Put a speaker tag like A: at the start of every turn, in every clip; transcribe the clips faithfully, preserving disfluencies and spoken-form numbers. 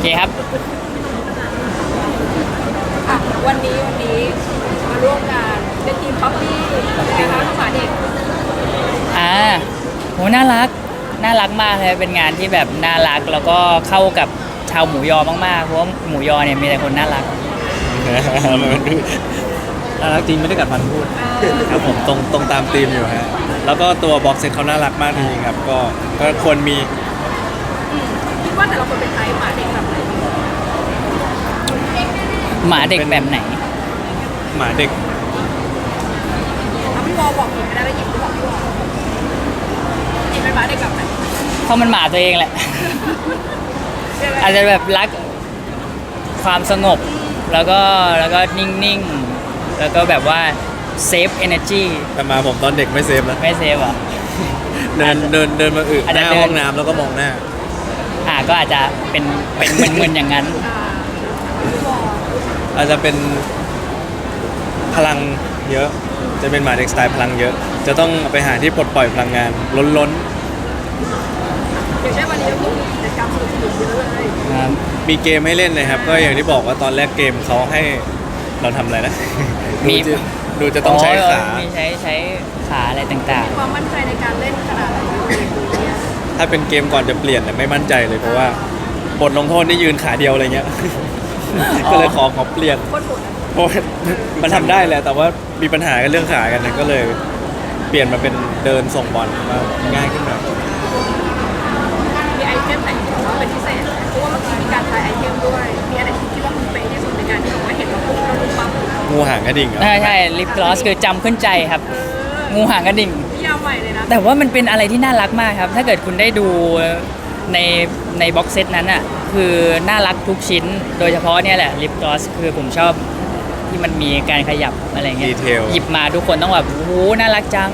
A: เคครับ
B: อ่ะวันนี้วันนี้มาร่วมงานเป็นทีมป๊อปปี้นะคะน้องหมาเด็ก
A: อ่าโหน่ารักน่ารักมากเลยเป็นงานที่แบบน่ารักแล้วก็เข้ากับชาวหมูยอมากๆเพราะว่าหมูยอเนี่ยมีแต่คนน่ารัก
C: น่ารักจริงไม่ได้กัดฟันพูดครับผมตรงตรงตามธีมอยู่ฮะแล้วก็ตัวบ็อกเซตเขาน่ารักมากจริงๆครับก็ก็ควรมี
B: คิดว่าแต่ละคนเป็นไทป์หมาเด็กแบบไหน
A: หมาเด็กแบบไหน
C: หมาเด็ก
B: ถ้าพี่วอบอกหยิบไม่ได้แล้วหยิบก็บอกพี่วอหยิบเป็นหมาเด็กแบบไหน
A: เขามันหมาตัวเองแหละ อาจจะแบบรักความสงบแล้วก็แล้วก็นิ่งๆแล้วก็แบบว่าเซฟเอเนอร์จี
C: แต่มาผมตอนเด็กไม่เซฟนะ
A: ไม่เซฟอ่ะ
C: เดินเดินเดินมาอึหน้าห้องน้ำแล้วก็มองหน้า
A: อ่าก็อาจจะเป็นเป็นมึนๆอย่างนั้น
C: อาจจะเป็นพลังเยอะจะเป็นหมาเด็กสไตล์พลังเยอะจะต้องไปหาที่ปลดปล่อยพลังงานล้น
B: ๆอย่างเช่นวันนี้ก็มีกิจกรรมสนุกๆเยอะเลย
C: มีเกมให้เล่นเลยครับก็อย่างที่บอกว่าตอนแรกเกมเขาให้เราทำอะไรนะมีดูจะต้องใช้ขา
A: มีใช้ใช้ขาอะไรต่าง
B: ๆมีความมั่นใจในการเล่นขนาดไหนเนี่ย
C: ถ้าเป็นเกมก่อนจะเปลี่ยนแต่ไม่มั่นใจเลยเพราะว่าบทลงโทษนี่ยืนขาเดียวอะไรเงี้ยก็เลยขอขอเปลี่ยนเพราะมันทำได้แหละแต่ว่ามีปัญหากันเรื่องขากันก็เลยเปลี่ยนมาเป็นเดินส่งบอลมาง่ายขึ้นหน่อย
B: มีไอเทมไหนที่บอกว่าเป็นพิเศษเพราะว่าเมื่อกี้มีการทายไอเทมด้วยมีอะไรที่คิดว่าคุณเป๊ะที่สุดในการที่บอกว่าเห็นเราปุ๊บเราดูปั๊บ
C: งูหางกระดิ่ง
A: ใช่ใช่ลิปกลอสคือจำขึ้นใจครับงูหางกระดิ่ง
B: ยาวใหม่เลยนะ
A: แต่ว่ามันเป็นอะไรที่น่ารักมากครับถ้าเกิดคุณได้ดูในในบ็อกเซตนั้นอ่ะคือน่ารักทุกชิ้นโดยเฉพาะเนี่ยแหละลิปกลอสคือผมชอบที่มันมีการขยับอะไรเงี้ยหยิบมาทุกคนต้องแบบโอ้โหน่ารักจัง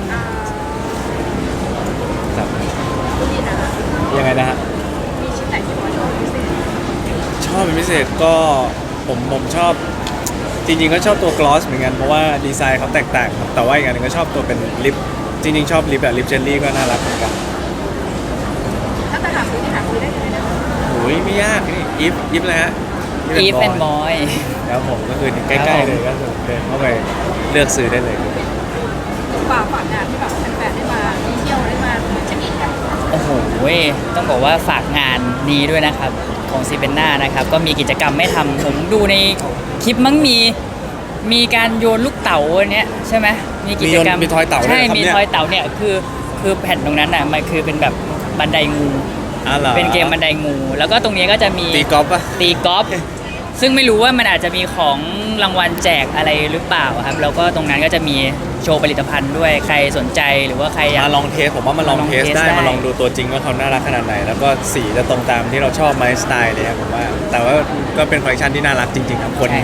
C: ยังไงนะฮะ
B: มีชิ้นไหนที่ว่าชอบพิเศษ
C: ชอบเป็นพิเศษก็ผมผมชอบจริงๆก็ชอบตัวกลอสเหมือนกันเพราะว่าดีไซน์เขาแตกต่างครับแต่ว่าอีกอันนึงก็ชอบตัวเป็นลิปจริงๆชอบลิปแบบลิปเจลลี่ก็น่ารักเหมือนกัน
B: ถ้าจะหาซื้อที่หาซื้อได้ที่ไหนนะ
C: โอ้ยไม่ยากนี่อีฟอีฟเลยฮะ
A: อีฟแอนด์บอย
C: แล้วผมก็คือใกล้ๆเลยก็คือเดินเข้าไปเลือกซื้อได้เลย
B: ฝากฝากงานที่แบบแฟนๆได้มาเที่ยวได้มาเช็คอินกัน
A: โอ้โหต้องบอกว่าฝากงานนี้ด้วยนะครับของซีเบนน่านะครับก็มีกิจกรรมไม่ทำผมดูในคลิปมั้งมีมีการโยนลูกเต๋าเนี้ยใช่ไหมมีกิจกรรม
C: มีทอยเต๋า
A: ใช่มีทอยเต๋าเนี่ยคือคือแผ่นตรงนั้นอ่ะมันคือเป็นแบบบันไดงูเป็นเกมบันไดงูแล้วก็ตรงนี้ก็จะมี
C: ตีกอล์ฟป่ะ
A: ตีกอล์ฟซึ่งไม่รู้ว่ามันอาจจะมีของรางวัลแจกอะไรหรือเปล่าครับแล้วก็ตรงนั้นก็จะมีโชว์ผลิตภัณฑ์ด้วยใครสนใจหรือว่าใครอยาก
C: มาลองเทสผมว่ามาลองเทสได้มาลองดูตัวจริงว่าเขาน่ารักขนาดไหนแล้วก็สีจะตรงตามที่เราชอบไหมสไตล์เลยครับผมว่าแต่ว่าก็เป็นคอลเลคชันที่น่ารักจริงๆครับคน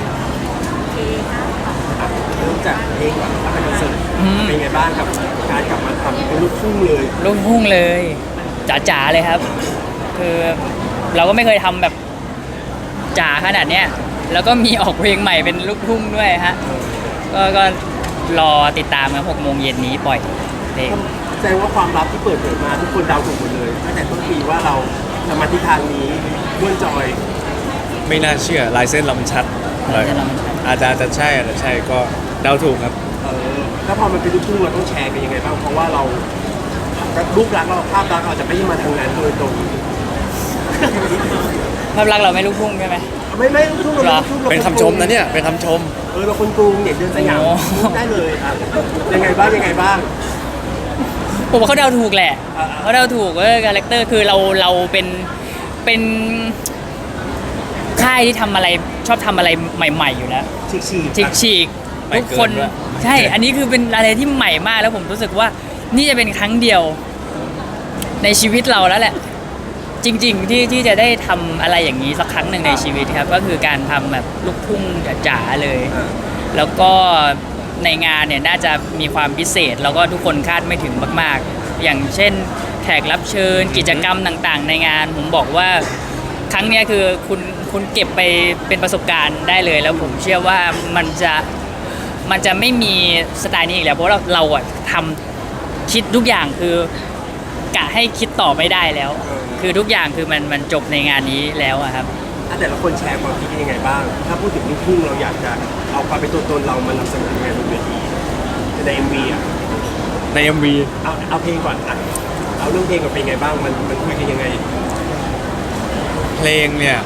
D: เริ่มจากเพลงก่อนครับเป็นคอนเสิร์ตเป็นไงบ้างกับการกลับมาทำเป็นลูกทุ่งเลย
A: ลูกทุ่งเลยจ๋าๆเลยครับคือเราก็ไม่เคยทำแบบจ๋าขนาดเนี้ยแล้วก็มีออกเพลงใหม่เป็นลูกทุ่งด้วยฮะก็ก็รอติดตามกันหกโมงเย็นนี้ปล่อยเพลง
D: แสดงว่าความลับที่เปิดเผยมาทุกคนเดาถูกหมดเลยตั้งแต่ต้นปีว่าเราจะมาทิศทางนี้ด้วนจอย
C: ไม่น่าเชื่อลายเส้นลำชัดเลยอาจจะจะใช่อาจจะใช่ก็เดาถูกครับ
D: เออแล้วพอมันเป็นลูกทุ่งเราต้องแชร์กันยังไงบ้างเพราะว่าเรารูปลักษณ์เราภาพลักษณ์เราจะไม่ได้มาทางนั้นโดยตรง
A: ภาพลักษณ์เราไม่ลูกทุ่งใช่ไหม
D: ไม่ไม่ลูกทุ่งเรา
C: เป็นคำชมนะเนี่ยเป็นคำชม
D: เออเราคนกรุงเด็กเดินสยามได้เลยอ่ะยังไงบ้างยังไงบ้าง
A: ผมว่าเขาเดาถูกแหละเขาเดาถูกว่าคาแรคเตอร์คือเราเราเป็นเป็นค่ายที่ทำอะไรชอบทำอะไรใหม่ๆอยู่แล้ว
D: ฉีกฉีก
A: ฉีกฉีกทุกคนใช่อันนี้คือเป็นอะไรที่ใหม่มากแล้วผมรู้สึกว่านี่จะเป็นครั้งเดียวในชีวิตเราแล้วแหละจริงๆที่ที่จะได้ทำอะไรอย่างนี้สักครั้งหนึ่งในชีวิตครับก็คือการทำแบบลูกทุ่งจ๋าๆเลยแล้วก็ในงานเนี่ยน่าจะมีความพิเศษแล้วก็ทุกคนคาดไม่ถึงมากๆอย่างเช่นแขกรับเชิญกิจกรรมต่างๆในงานผมบอกว่าครั้งนี้คือคุณคุณเก็บไปเป็นประสบการณ์ได้เลยแล้วผมเชื่อว่ามันจะมันจะไม่มีสไตล์นี้อีกแล้วเพราะเราเราอะทำคิดทุกอย่างคือกะให้คิดต่อไม่ได้แล้วคือทุกอย่างคือมันมันจบในงานนี้แล้วอะครับ
D: อ่ะแต่ละคนแชร์ความคิดกันยังไงบ้าง ถ้าพูดถึงลูกทุ่งเราอยากจะเอาความเป็นตัวตนเรามานำเสนอยังไงบนเวทีใน เอ็ม วี อ่ะ
C: ใน เอ็ม วี
D: เอาเอาเพลงก่อนอ่ะเอาเรื่องเพลงกับเป็นไงบ้างมันมันคุยกันยังไง
C: เพลงเนี่ย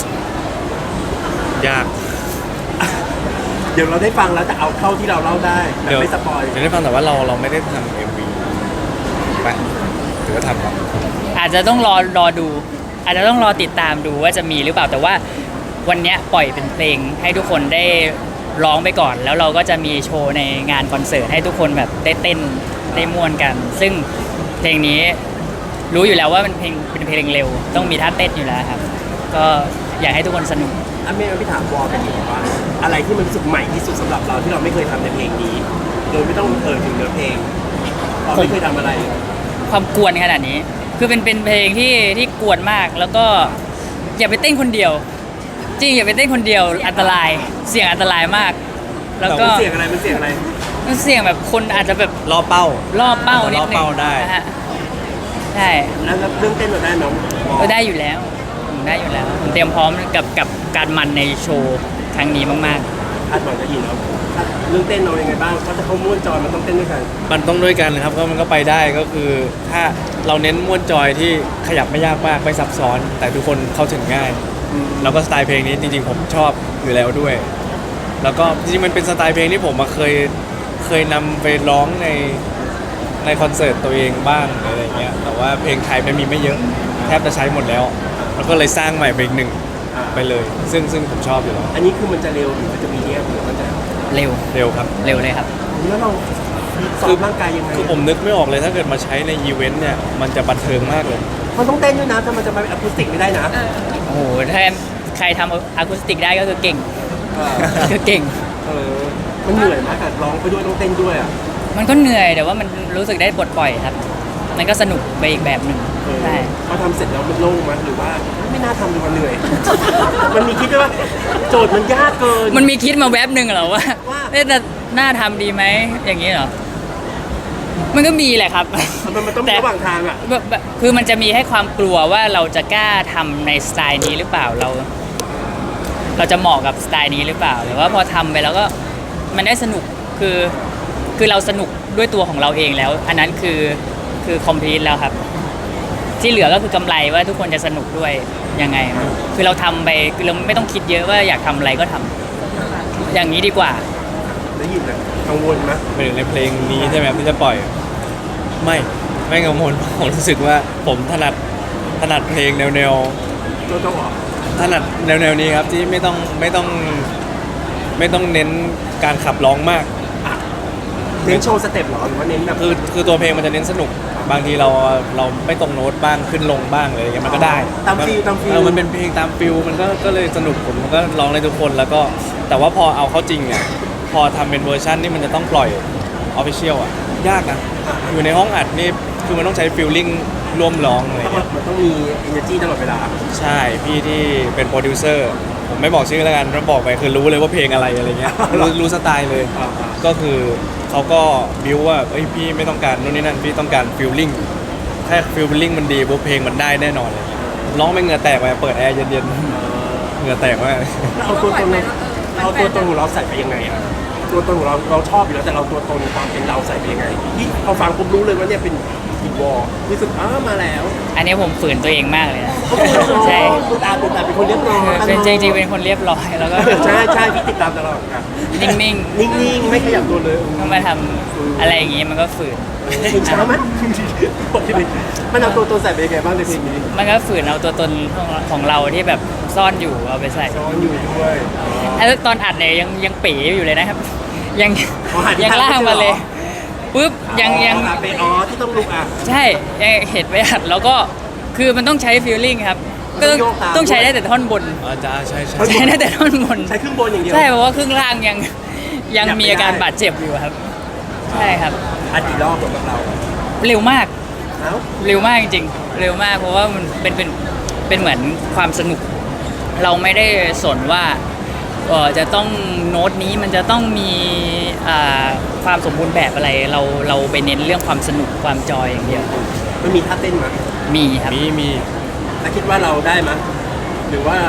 C: ยาก
D: เดี๋ยวเราได้ฟังแล้วแต่เอาเข้าที่เราเล่าได้แต่ไม่สปอย
C: เดี๋ยวได้ฟังแต่ว่าเราเราไม่ได้ทำเอ็มวีไปหรือว่าทำก่อน
A: อาจจะต้องรอรอดู อาจจะต้องรอติดตามดูว่าจะมีหรือเปล่าแต่ว่าวันเนี้ยปล่อยเป็นเพลงให้ทุกคนได้ร้องไปก่อน แล้วเราก็จะมีโชว์ในงานคอนเสิร์ตให้ทุกคนแบบได้เต้นได้ม่วนกัน ซึ่งเพลงนี้รู้อยู่แล้วว่าเป็นเพลงเป็นเพลงเร็ว ต้องมีท่าเต้นอยู่แล้วครับ ก็อยากให้ทุกคนสนุก
D: อ่ะเมย์พี่ถามวอลกันดีกว่าอะไรที่มันรู้สึกใหม่ที่สุดสำหรับเราที่เราไม่เคยทำในเพลงนี้ โดยไม่ต้องเอ่ยถึงเนื้อเพลงเราไม่เคยทำอะไร
A: ความกวนขนาดนี้ คือเป็นเป็นเพลงที่ที่กวนมาก แล้วก็อย่าไปเต้นคนเดียว จริงอย่าไปเต้นคนเดียวอันตรายเสี่ยงอันตรายมาก แล้วก็
D: เสียงอะไรมันเสียงอะไร
A: มันเสี่ยงแบบคนอาจจะแบบ
C: ล่อเป้า
A: ล่อเป้านิดนึง
C: ล่อเป้าได้
A: นะฮะใช่
D: แล้วเรื่องเต้นเราได้น้อง
A: ก็ได้อยู่แล้วผมได้อยู่แล้วผมเตรียมพร้อมกับกับการมันในโชว์ครั้งนี้มาก
D: คาดหวังจะยินแล้วเรื่องเต้นเรายังไงบ้างเพราะถ้าเขาม้วนจอยมันต้องเต้นด้วยกัน
C: มันต้องด้วยกันครับก็มันก็ไปได้ก็คือถ้าเราเน้นม้วนจอยที่ขยับไม่ยากมากไม่ซับซ้อน แต่ทุกคนเข้าถึงง่าย แล้วก็สไตล์เพลงนี้จริงๆผมชอบอยู่แล้วด้วย แล้วก็จริงๆมันเป็นสไตล์เพลงที่ผมมาเคยเคยนำไปร้องในในคอนเสิร์ตตัวเองบ้างอะไรอย่างเงี้ยแต่ว่าเพลงไทยมันมีไม่เยอะแทบจะใช้หมดแล้ว แล้วก็เลยสร้างใหม่เพลงหนึ่งไปเลย ซึ่งซึ่งผมชอบอยู่แล้ว
D: อันนี้คือมันจะเร็วหรือมันจะมีเนี้ยหรือมันจะ
A: ๆ เร็ว
C: เร็วครับ
A: เร็วเลยครับ
D: แล้วเราซ้อมร่างกายยังไง
C: คือผมนึกไม่ออกเลยถ้าเกิดมาใช้ในอีเวนต์เนี่ยมันจะบันเทิงมากเลย
D: มันต้องเต้นด้วยนะถ้ามันจะมาเป็นอะคูสติกไม่ได้นะ
A: โอ้โหถ้าใครทำอะคูสติกได้ก็คือเก่ง
D: เออ
A: คือเก่ง
D: เออมันเหนื่อยมากกับร้องไปด้วยต้องเต้นด้วยอ่ะ
A: มันก็เหนื่อยแต่ว่ามันรู้สึกได้ปลดปล่อยครับ มันก็สนุกไปอีกแบบหนึ่ง
D: เออ
A: ใช่
D: พอทำเสร็จแล้วมันโล่งมั้ยหรือว่าไม่น่าทำเลยมันเหนื่อย มันมีคิดด้วยว่าโจทย์มันยากเกิน
A: มันมีคิดมาแวบหนึ่งเหรอว่า
D: ว่า
A: เอ๊ะแต่น่าทำดีไหมอย่างนี้เหรอมันก็มีแหละครับ
D: มันมันต้องมี
A: แต่
D: ระหว่างทางอ่ะ
A: แบบแบบคือมันจะมีให้ความกลัวว่าเราจะกล้าทำในสไตล์นี้หรือเปล่าเรา เราจะเหมาะกับสไตล์นี้หรือเปล่าหรือว่าพอทำไปแล้วก็มันได้สนุกคือคือเราสนุกด้วยตัวของเราเองแล้ว อันนั้นคือคือคอมพลีทแล้วครับ ที่เหลือก็คือกำไรว่าทุกคนจะสนุกด้วยยังไง คือเราทำไปคือเราไม่ต้องคิดเยอะว่าอยากทำอะไรก็ทำอย่างนี้ดีกว่า
D: ได้ยินเลยกังวลไหม
C: ไปถึงในเพลงนี้ใช่ไหมครับที่จะปล่อย ไม่ไม่กังวล ผมรู้สึกว่าผมถนัดถนัดเพลงแนวแนว
D: ตัวต้องออก
C: ถนัดแนวแนวนี้ครับที่ไม่ต้องไม่ต้องไม่ต้องเน้นการขับร้องมาก
D: เน้นโชว์สเต็ปเหรอหรือว่าเน้นแบบ
C: คือคือตัวเพลงมันจะเน้นสนุก บางทีเราเราไม่ตรงโน้ตบ้างขึ้นลงบ้างอะไรอย่างเงี้ยมันก็ได้
D: ตามฟิลตามฟิล
C: เออมันเป็นเพลงตามฟิลมันก็ก็เลยสนุกผมก็ร้องในทุกคนแล้วก็แต่ว่าพอเอาเข้าจริงอ่ะพอทำเป็นเวอร์ชันที่มันจะต้องปล่อยออฟฟิเชียลอ่ะยากนะอยู่ในห้องอัดนี่คือมันต้องใช้ฟิลลิ่งร่วมร้องอะไรอย่างเงี้ย
D: มันต้องมี energy ตลอดเวลา
C: ใช่พี่ที่เป็นโปรดิวเซอร์ผมไม่บอกชื่อแล้วกันถ้าบอกไปคือรู้เลยว่าเพลงอะไรอะไรเงี้ยรู้รู้สไตล์เลย
D: อ่า
C: ก็คือเขาก็บิวว่าเอ้ยพี่ไม่ต้องการนู่นนี่นั่นพี่ต้องการฟิลลิ่งแค่ฟิลลิ่งมันดีปุ๊บเพลงมันได้แน่นอนเลยร้องไม่เหงื่อแตกไปเปิดแอร์เย็นๆเหงื่อแตกมาก
D: แล้วเอาตัวตนเราเอาตัวตนของเราใส่ไปยังไงอ่ะตัวตนของเราเราชอบอยู่แล้วแต่เราตัวตนความเป็นเราใส่ไปยังไงที่เอาฟังผมรู้เลยว่าเนี่ยเป็นอีวอลรู้สึกอ้ามาแล้ว
A: อันนี้ผมฝืนตัวเองมากเลยนะ ใช่
D: คุณอาคุณอาเป็นคนเรียบร้อย
A: เป็นจริงๆเป็นคนเรียบร้อยแล้วก็
D: ใช่ใช่พี่ติดตามตลอดครับ
A: นิ่ง
D: นิ่งๆไม่ขยับตัวเลย
A: ๆต้องมาทำอะไรอย่างงี้มันก็ฝืน
D: ถึงเช้าไหมมันเอาตัวตนใส่ไปยังไงบ้างในเพลงนี้
A: มันก็ฝืนเอาตัวตนของของเราที่แบบซ่อนอยู่เอาไปใส่
D: ซ้อนอยู่ด้วย
A: แล้วตอนอัดเนี่ยยังยังเป๋อยู่เลยนะครับ ยัง
D: อ๋อหาที่
A: ยังล่างมาเลย
D: ทางไม่เจอเหร
A: ปุ๊บยังยัง
D: อ๋อเป็นอ๋อที่ต้องลุกอ่ะ
A: ใช่ยังเห็นไปอัดแล้วก็คือมันต้องใช้ฟีลลิ่งครับ ก็ต้อง
D: ต้องโยกตาม
A: ต้องใช้ได้แต่ท่อนบน
C: อาจารย์ใช่ใช่
A: ใช้ได้แต่ท่อนบน
D: ใช้ครึ่งบนอย่างเดียว
A: ใช่เพราะว่าครึ่งล่างยังยัง
D: อยากไม่
A: มีอาการ
D: ได้
A: บาดเจ็บอยู่ครับ ใช่ครับ
D: อัดกี่รอบสำหรับเรา
A: เร็วมาก
D: เอ้า
A: เร็วมากจริงๆ เร็วมากเพราะว่ามันเป็นเป็นเป็นเหมือนความสนุก เราไม่ได้สนว่าเออจะต้องโน้ตนี้มันจะต้องมีอ่าความสมบูรณ์แบบอะไร เราเราไปเน้นเรื่องความสนุกความจอยอย่างเดียว
D: มันมีท่าเต้นมั้ย
A: มีครับ
C: มีมี
D: แล้วคิดว่าเราได้มั้ยหรือว่า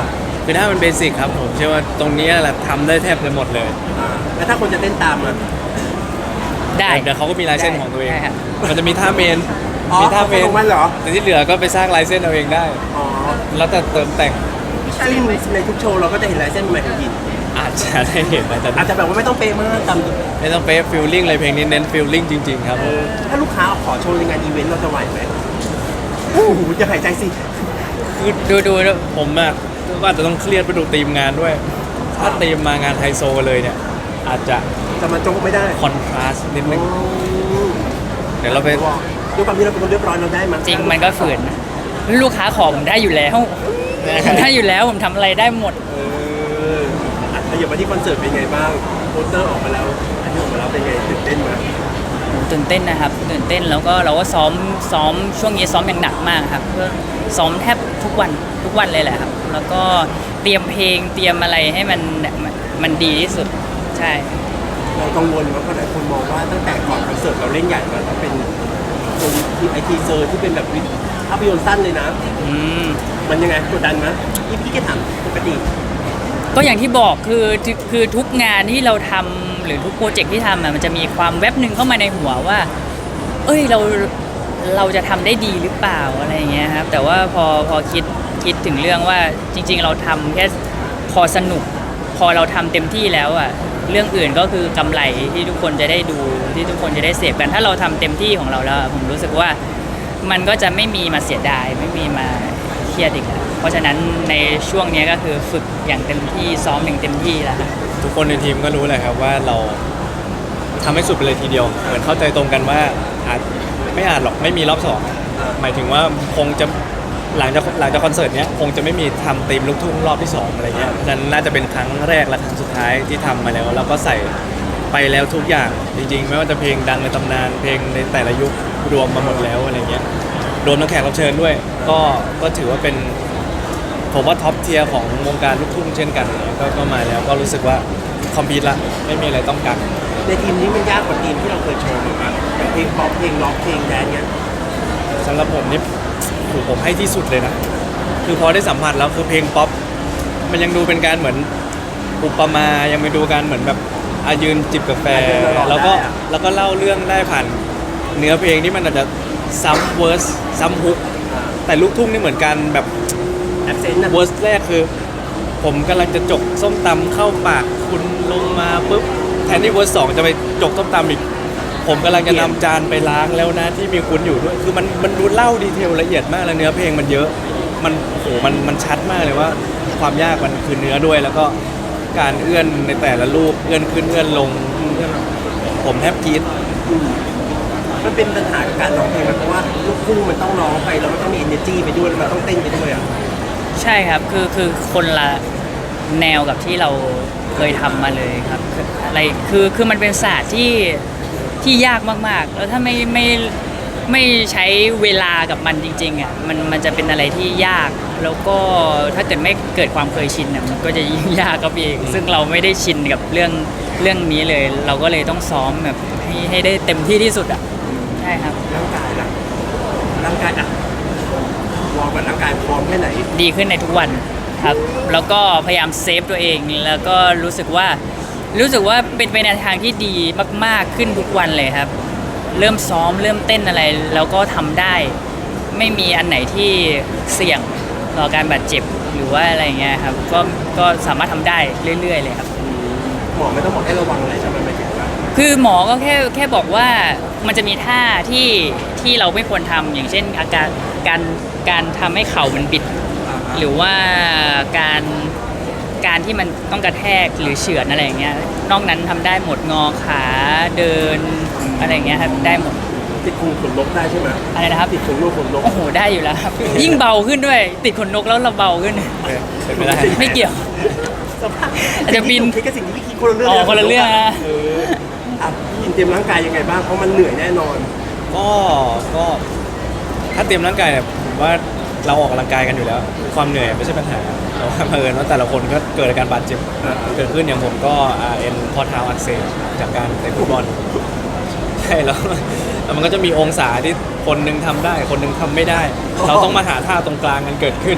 C: คือถ้ามันเบสิกครับผมเชื่อว่าตรงนี้แหละทำได้แทบจะหมดเลย
D: อ่าแล้วถ้าคนจะเต้นตามอ่ะ
A: ได้
C: เดี๋ยวเขาก็มีลายเส้นของตัวเอง
A: ได้ครับ
C: มันจะมีท่าเมน
D: อ๋อ
C: มีท่าเมน
D: ของมันเหรอ
C: แต่ที่เหลือก็ไปสร้างลายเส้นเอาเองได้
D: อ๋อ
C: แล้วแต่เติมแต่ง
D: ซึ่งในทุกโชว์เราก็จะเห็นลายเส้นใหม่ของยิน
C: อาจจะได้เห็นนะแต่
D: อาจจะแบบว่าไม่ต้องเป๊ะมากตาม
C: ไม่ต้องเป๊ะฟิลลิ่งเลยเพลงนี้เน้นฟิลลิ่งจริงๆครับผม
D: ถ้าลูกค้าขอโชว์ในงานอีเวนต์เราจะไหวไหมโอ้โหจะหายใจสิ
C: คือดูดูแล้วผมอะก็อาจจะต้องเครียดไปดูทีมงานด้วย ถ้าทีมมางานไฮโซเลยเนี่ย อาจจะ
D: จะมาโจ๊กไม่ได้
C: คอนทราสต์นิดนึงเดี๋ยวเราไป
D: ด้วยความที่เราเป็นคนเรียบร้อยเราได้มั้ย
A: จริงมันก็ฝืนนะลูกค้าขอผมได้อยู่แล้วผมได้อยู่แล้วผมทำอะไรได้หมด
D: เอออ่ะขยับมาที่คอนเสิร์ตเป็นไงบ้างโปสเตอร์ออกมาแล้วอันนี้ออกมาแล้วเป็นไงตื่นเต้นไหม
A: ตื่นเต้นนะครับตื่นเต้นแล้วก็เราก็ซ้อมซ้อมช่วงนี้ซ้อมอย่างหนักมากครับเพื่อซ้อมแทบทุกวันทุกวันเลยแหละครับ แล้วก็เตรียมเพลงเตรียมอะไรให้มันมันมันดีที่สุดใช่
D: เรากังวลว่าเพราะหลายคนมองว่าตั้งแต่ก่อนคอนเสิร์ตเราเล่นใหญ่มาแล้วเป็นตรงที่ไอทีเซอร์ที่เป็นแบบภาพยนตร์สั้นเลยนะ
A: อืม
D: มันยังไงกดดันไหมยี่พี่แกถามปกติ
A: ก็อย่างที่บอกคือคือทุกงานที่เราทำหรือทุกโปรเจกต์ที่ทำอะมันจะมีความแวบหนึ่งเข้ามาในหัวว่า เอ้ยเราเราจะทำได้ดีหรือเปล่าอะไรอย่างเงี้ยครับแต่ว่าพอพอคิดคิดถึงเรื่องว่าจริง ๆ เราทำแค่พอสนุก พอเราทำเต็มที่แล้วอ่ะเรื่องอื่นก็คือกำไรที่ทุกคนจะได้ดูที่ทุกคนจะได้เสพกันถ้าเราทำเต็มที่ของเราแล้วอะผมรู้สึกว่ามันก็จะไม่มีมาเสียดายไม่มีมาเครียดอีกแล้วเพราะฉะนั้นในช่วงเนี้ยก็คือฝึกอย่างเต็มที่ซ้อมอย่างเต็มที่แล้วครับ
C: ทุกคนในทีมก็รู้แหละครับว่าเราทำให้สุดไปเลยทีเดียว เหมือนเข้าใจตรงกันว่าอาจไม่อาจหรอกไม่มีรอบสองหมายถึงว่าคงจะหลังจากหลังจากคอนเสิร์ตเนี้ยคงจะไม่มีทำธีมลูกทุ่งรอบที่สองอะไรเงี้ยฉะนั้นน่าจะเป็นครั้งแรกและครั้งสุดท้ายที่ทำมาแล้ว แล้วก็ใส่ไปแล้วทุกอย่างจริงๆ ไม่ว่าจะเพลงดังในตำนานเพลงในแต่ละยุครวมมาหมดแล้วอะไรเงี้ยรวมทั้งแขกรับเชิญด้วย ก็ก็ถือว่าเป็นผมว่าท็อปเทียร์ของวงการลูกทุ่งเช่นกันก็ก็มาแล้วก็รู้สึกว่าคอมพิวต์ละไม่มีอะไรต้องกัน
D: ในทีมนี้มันยากกว่าทีมที่เราเคยโชว์มาอย่างเพลงป๊อปเพลงร็อกเพลงแดนซ์เนี่ย
C: สำหรับผมนี่ถูกผมให้ที่สุดเลยนะ คือพอได้สัมผัสแล้วคือเพลงป๊อปมันยังดูเป็นการเหมือนอุปมายังไปดูการเหมือนแบบอายืนจิบกาแฟ แล้วก็แล้วก็เล่าเรื่องได้ผ่านเนื้อเพลงที่มันอาจจะซ้ำเวอร์สซ้ำฮุกแต่ลูกทุ่งนี่เหมือนกันแบบ
D: แอปเซนต์นะ
C: เวอร์สแรกคือ ผมกำลังจะจกส้มตำเข้าปากคุณลงมาปุ๊บแทนที่เวอร์สสองจะไปจกส้มตำอีก ผมกำลังจะนำจานไปล้างแล้วนะที่มีคุณอยู่ด้วย คือมันมันดูเล่าดีเทลละเอียดมากแล้วเนื้อเพลงมันเยอะ มันโอ้โหมันมันชัดมากเลยว่า ความยากมันคือเนื้อด้วย แล้วก็การเอื้อนในแต่ละลูกเอื้อนขึ้นเอื้อนลงเอื้อนผมแทบกรี๊ด
D: มันเป็นปัญหากับการร้องเพลงมันเพราะว่าลูกทุ่งมันต้องร้องไปแล้วมันต้องมี energy ไปด้วยแล้วมันต้องเต้นไปด้วยอ่ะ
A: ใช่ครับคือคือคนละแนวกับที่เราเคยทำมาเลยครับคืออะไรคือคือมันเป็นศาสตร์ที่ที่ยากมากๆ แล้วถ้าไม่ไม่ไม่ใช้เวลากับมันจริงๆอ่ะมันมันจะเป็นอะไรที่ยาก แล้วก็ถ้าเกิดไม่เกิดความเคยชินอ่ะมันก็จะยิ่งยากกับเองซึ่งเราไม่ได้ชินกับเรื่องเรื่องนี้เลย เราก็เลยต้องซ้อมแบบให้ให้ได้เต็มที่ที่สุดอ่ะใช่ครับ
D: ร่างกายล่ะร่างกายอ่ะวอร์มกับร่างกายพร้อมแค่ไหน
A: ดีขึ้นในทุกวันครับ แล้วก็พยายามเซฟตัวเอง แล้วก็รู้สึกว่ารู้สึกว่าเป็นไปในทางที่ดีมาก ๆขึ้นทุกวันเลยครับ เริ่มซ้อมเริ่มเต้นอะไรแล้วก็ทำได้ ไม่มีอันไหนที่เสี่ยงต่อการบาดเจ็บหรือว่าอะไรเงี้ยครับ ก็ก็สามารถทำได้เรื่อย ๆ เลยครับ
D: หมอไม่ต้องบอกให้ระวังอะไรใช่ไหมหมายถึงว่า
A: คือหมอก็แค่แค่บอกว่ามันจะมีท่าที่ที่เราไม่ควรทำอย่างเช่นอาการการการทำให้เข่ามันบิด หรือว่าการการที่มันต้องกระแทกหรือเฉือนอะไรอย่างเงี้ยนอกนั้นทำได้หมดงอขาเดินอะไรอย่างเงี้ยครับได้หมด
D: ติดขนขนนกได้ใช่ไหม
A: อะไรนะครับ
D: ติดขนนกขนนก
A: โอ้โหได้อยู่แล้วครับ ยิ่งเบาขึ้นด้วย ติดขนนกแล้วเราเบาขึ้น
C: เป็นไปได้
A: ไม่เกี่ยว
D: สภาพ
A: อาจจะบิน
D: คิดกับสิ่งที่พี่คิดคนละเรื่อง
A: อ๋อคนละเรื่องนะ
D: เอออ่ะพี่ยินเตรียมร่างกายยังไงบ้างเพราะมันเหนื่อยแน่นอน
C: ก็ก็ถ้าเตรียมร่างกายเนี่ยผมว่าเราออกกำลังกายกันอยู่แล้ว ความเหนื่อยไม่ใช่ปัญหาแต่ว่าเผอิญว่าแต่ละคนก็เกิดอาการบาดเจ็บ
D: อ่า
C: เกิดขึ้นอย่างผมก็อ่าเอ็นข้อเท้าอักเสบจากการเตะฟุตบอลใช่แล้วแล้วมันก็จะมีองศาที่คนหนึงทำได้ คนหนึงทำไม่ได้ เราต้องมาหาท่าตรงกลางกันเกิดขึ้น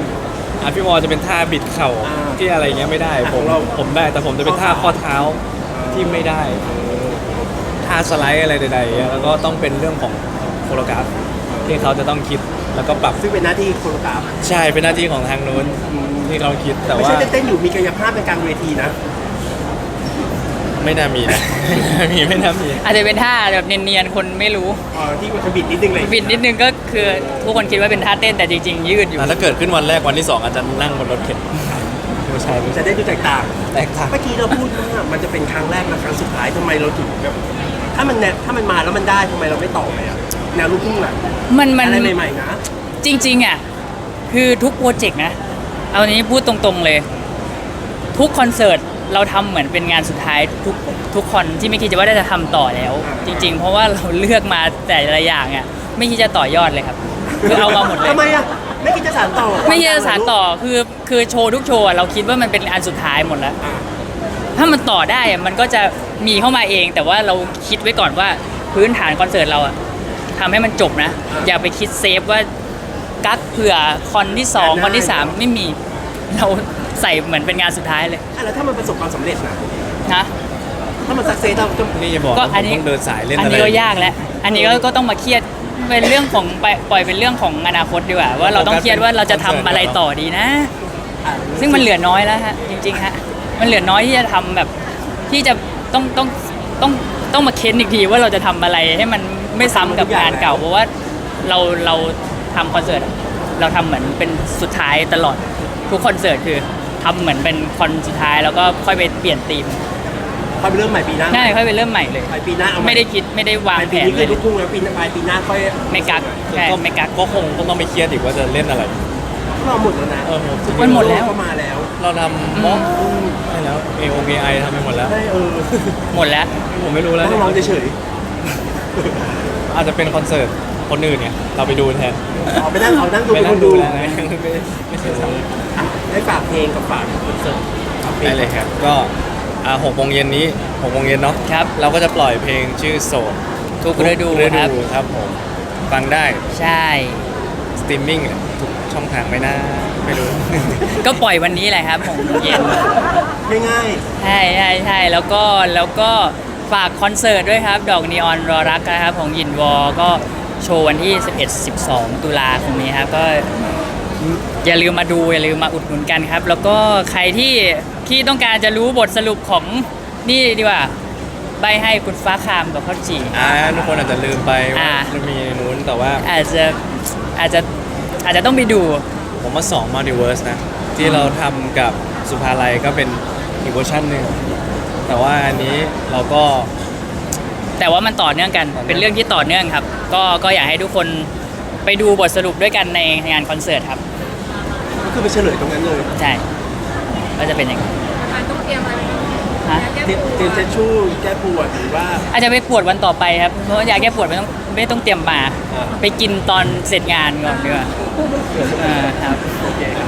C: อ่ะพี่วอจะเป็นท่าบิดเข่า
D: อ่า
C: ที่อะไรเงี้ยไม่ได้
D: อ่ะ
C: ผ
D: ข
C: ม
D: องเรา
C: ผมได้แต่ผมจะเป็นท่า
D: ข้
C: ข้
D: อ
C: อ
D: เท้า
C: เท้าที่ไม่ได้ท่าสไลด์อะไรใดๆเงี้ยแล้วก็ต้องเป็นเรื่องของโคโรกราฟที่เขาจะต้องคิดแล้วก็ปรับ
D: ซึ่งเป็นหน้าที่โคโรกราฟ
C: ใช่เป็นหน้าที่ของทางนู้นที่เขาคิดแต่
D: ไม่
C: ว่า
D: ใช่เต้นๆอยู่มีกายภาพเป็นกลางเวทีนะ
C: ไม่น่ามีนะ ไม่มีไม่น่ามี
A: อาจจะเป็นท่าแบบเนียนๆคนไม่รู้
D: อ๋อที่มันจะบิดนิดนึงเลย
A: บิดนิดนึงก็คือทุกคนคิดว่าเป็นท่าเต้นแต่จริงๆ ยืดอยู่
C: อ่ะถ้าเกิดขึ้นวันแรกวันที่สองอาจจะนั่งบนรถเข็นไม่ใช่ไม่
D: จะ
C: ใช่
D: ได้ดูแตกต่าง
C: แตกต่าง
D: เมื่อกี้เราพูดว่ามันจะเป็นครั้งแรกและครั้งสุดท้ายทำไมเราถึงแบบถ้ามันแนวถ้ามันมาแล้วมันได้ทำไมเราไม่ต่อไปอ่ะแนวลูกทุ่งอ่ะ
A: มันมัน
D: อะไรใหม่ๆนะ
A: จริงๆอ่ะคือทุกโปรเจกต์นะ เอานี้พูดตรงๆเลย ทุกคอนเสิร์ตเราทำเหมือนเป็นงานสุดท้ายทุกทุกคอนที่ไม่คิดจะว่าได้จะทำต่อแล้ว จริง ๆ เพราะว่าเราเลือกมาแต่ละอย่างอ่ะไม่คิดจะต่อยอดเลยครับคือเอามาหมดเลย
D: ทำไมอ่ะไม่คิดจะสานต่อ
A: ไม่คิดจะสานต่อคือคือโชว์ทุกโชว์อะเราคิดว่ามันเป็นอันสุดท้ายหมดแล้ว
D: อ่ะ
A: ถ้ามันต่อได้อะมันก็จะมีเข้ามาเอง แต่ว่าเราคิดไว้ก่อนว่าพื้นฐานคอนเสิร์ตเราอะทำให้มันจบนะ อย่าไปคิดเซฟว่ากักเผื่อคอนที่สองคอนที่สามไม่มีเราใส่เหมือนเป็นงานสุดท้ายเลย
D: อ่ะแล้วถ้ามันประสบความสำเร็จนะ
A: นะ
D: ถ้ามันสักเซสเราจะ
C: นี่จะบอก
A: ก็
C: ว่าผ
A: อัน
C: ม
A: นี้
C: ต้องเดินสายเล่น
A: อัน
C: อะไร
A: นี้ก็ยากแล้ว อันนี้ก็ก็ต้องมาเครียดเป็นเรื่องของไปปล่อยเป็นเรื่องของอนาคตดีกว่าว่าเราต้องเครียดว่าเราจะทำอะไรต่อดีนะ
D: อ่ะ
A: ซึ่งมันเหลือน้อยแล้วฮะจริงๆฮะมันเหลือน้อยที่จะทำแบบที่จะต้องต้องต้องต้องมาเค้นอีกทีว่าเราจะทำอะไรให้มันไม่ซ้ำกับงานเก่าเพราะว่าเราเราทำคอนเสิร์ตอะเราทำเหมือนเป็นสุดท้ายตลอดทุกคอนเสิร์ตคือทำเหมือนเป็นคอนสุดท้ายแล้วก็ค่อยไปเปลี่ยนธีม
D: ค่อยไปเริ่มใหม่ปีหน้า
A: ง่ายค่อยไปเริ่มใหม่เลย
D: ปลายปีหน้าเอาให
A: ไม่ได้คิดไม่ได้วาง
D: ปลาย
A: แผ
D: ปี
A: น
D: นี้
A: เล
D: คือย ลูกทุ่งแล้วปีหน้าปลายปีหน้าค่อย
A: ไม่กักใช่
C: ก็
A: ไม่กัก
C: ก็คงก็ต้องไปเครียดอีกว่าจะเล่นอะไร
D: เราหมดแล้วนะ
C: เออ
A: มันหมดแล้ว
D: ก็มาแล้ว
C: เราทำบล็อกได้แล้ว เอ โอ เอ ไอ ทำไปหมดแล้ว
D: ใช่เออ
A: หมดแล้ว
C: ผมไม่รู้แล้ว
D: ต้องร้องเฉย
C: อาจจะเป็นคอนเสิร์ตคนอื่นเนี่ยเราไปดูแทน
D: ๆเอาไปนั่งเอานั่งดู
C: ไม่
D: เป็น
C: นั่
D: ค
C: ง
D: น
C: ดู
D: ดู
C: แล้วนะไม่ไม่ใช่สาว
D: อ่ะให้ฝากเพลงกับฝากคอนเสิร์ตฝากพง
C: ได้เลยครับ ก็อ่าหกโมงเย็นนี้หกโมงเย็นเนาะ
A: ครับ
C: เราก็จะปล่อยเพลงชื่อโสด
A: ทุกฤดู
C: ฤ
A: ครับ
C: ดูครับผมฟังได้
A: ใช่
C: สตรีมมิ่งทุกช่องทางไม่น่าไม่รู้
A: ก็ปล่อยวันนี้แหละครับของเย็น
D: ง่าย
A: ใช่ใช่ใช่แล้วก็แล้วก็ฝากคอนเสิร์ตด้วยครับ ดอกนีออนรอรักนะครับของยินวอ ก็โชว์วันที่ สิบเอ็ด สิบสอง ตุลาคมนี้ครับ ก็อย่าลืมมาดูอย่าลืมมาอุดหนุนกันครับ แล้วก็ใครที่ที่ต้องการจะรู้บทสรุปของนี่ดีกว่า ใบให้คุณฟ้าคามกับข้าวจี่
C: อ่าทุกคนอาจจะลืมไปว่า
A: อ่า
C: มันมีนู้นแต่ว่า อา
A: อาจจะอาจจะอาจจะต้องไปดู
C: ผมว่าสองมัลติเวิร์สนะ ที่เราทำกับสุภาลัยก็เป็นอีกเวอร์ชันหนึ่งแต่ว่าอันนี้เราก็
A: แต่ว่ามันต่อเนื่องกัน
C: ต่อเนื่อง
A: เป็นเรื่องที่ต่อเนื่องครับ ก็ก็อยากให้ทุกคนไปดูบทสรุปด้วยกันในงานคอนเสิร์ตครับ
D: ๆก็คือไปเฉลยตรงนั้นเลย
A: ใช่ก็จะเป็นอย่างนั้น
B: มันต้องเตรียมอะไร
A: ฮะ
B: แก้
D: เตรียม
B: ปวด
D: เตรียมเช็ดชู่แก้ปวดหรือว่า
A: อาจจะไปปวดวันต่อไปครับ เพราะว่ายาแก้ปวดไม่ต้องไม่ต้องเตรียมมา
D: อ่า
A: ไปกินตอนเสร็จงานก่อนดีกว่าเออครับ
D: โอเค